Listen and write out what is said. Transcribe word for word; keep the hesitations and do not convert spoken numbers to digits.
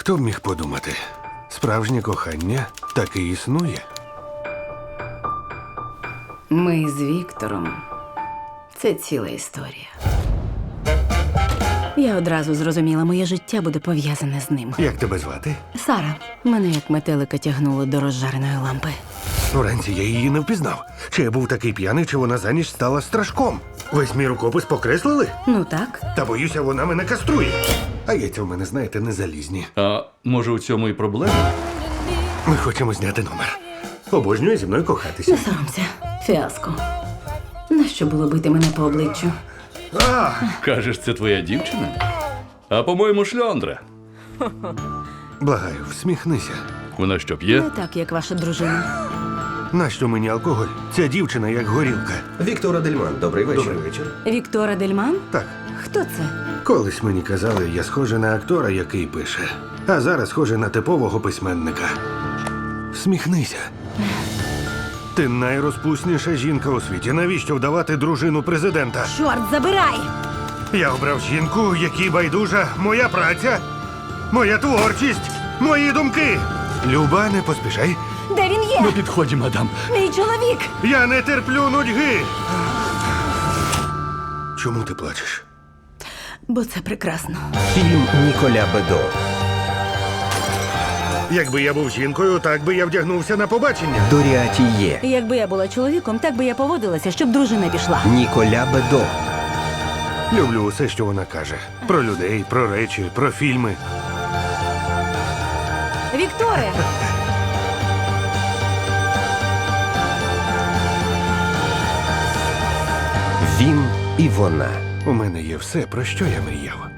Хто б міг подумати? Справжнє кохання таки існує. Ми з Віктором. Це ціла історія. Я одразу зрозуміла, моє життя буде пов'язане з ним. Як тебе звати? Сара, мене як метелика тягнуло до розжареної лампи. Уранці я її не впізнав. Чи я був такий п'яний, чи вона за ніч стала страшком. Весь мій рукопис покреслили? Ну так. Та боюся, вона мене каструє. А яйця в мене, знаєте, не залізні. А може у цьому і проблема? Ми хочемо зняти номер. Обожнює зі мною кохатися. Не соромся. Фіаско. Нащо було бити мене по обличчю? А! Кажеш, це твоя дівчина? А по-моєму, шльондра. Благаю, всміхнися. Вона що Не п'є? так, як ваша дружина. Нащо мені алкоголь? Ця дівчина як горілка. Віктор Адельман, добрий вечір. Добрий вечір. Віктора Дельман? Так. Хто це? Колись мені казали, я схожий на актора, який пише. А зараз схожий на типового письменника. Всміхнися. Ти найрозпусніша жінка у світі. Навіщо вдавати дружину президента? Чорт, забирай! Я обрав жінку, якій байдужа моя праця, моя творчість, мої думки. Люба, не поспішай. Де він є? На підході, мадам. Мій чоловік! Я не терплю нудьги. Чому ти плачеш? Бо це прекрасно. Фільм Ніколя Бедо. Якби я був жінкою, так би я вдягнувся на побачення. Доріатіє. Якби я була чоловіком, так би я поводилася, щоб дружина пішла. Ніколя Бедо. Люблю усе, що вона каже. Про людей, про речі, про фільми. Вікторе! Він і вона. У мене є все, про що я мріяв.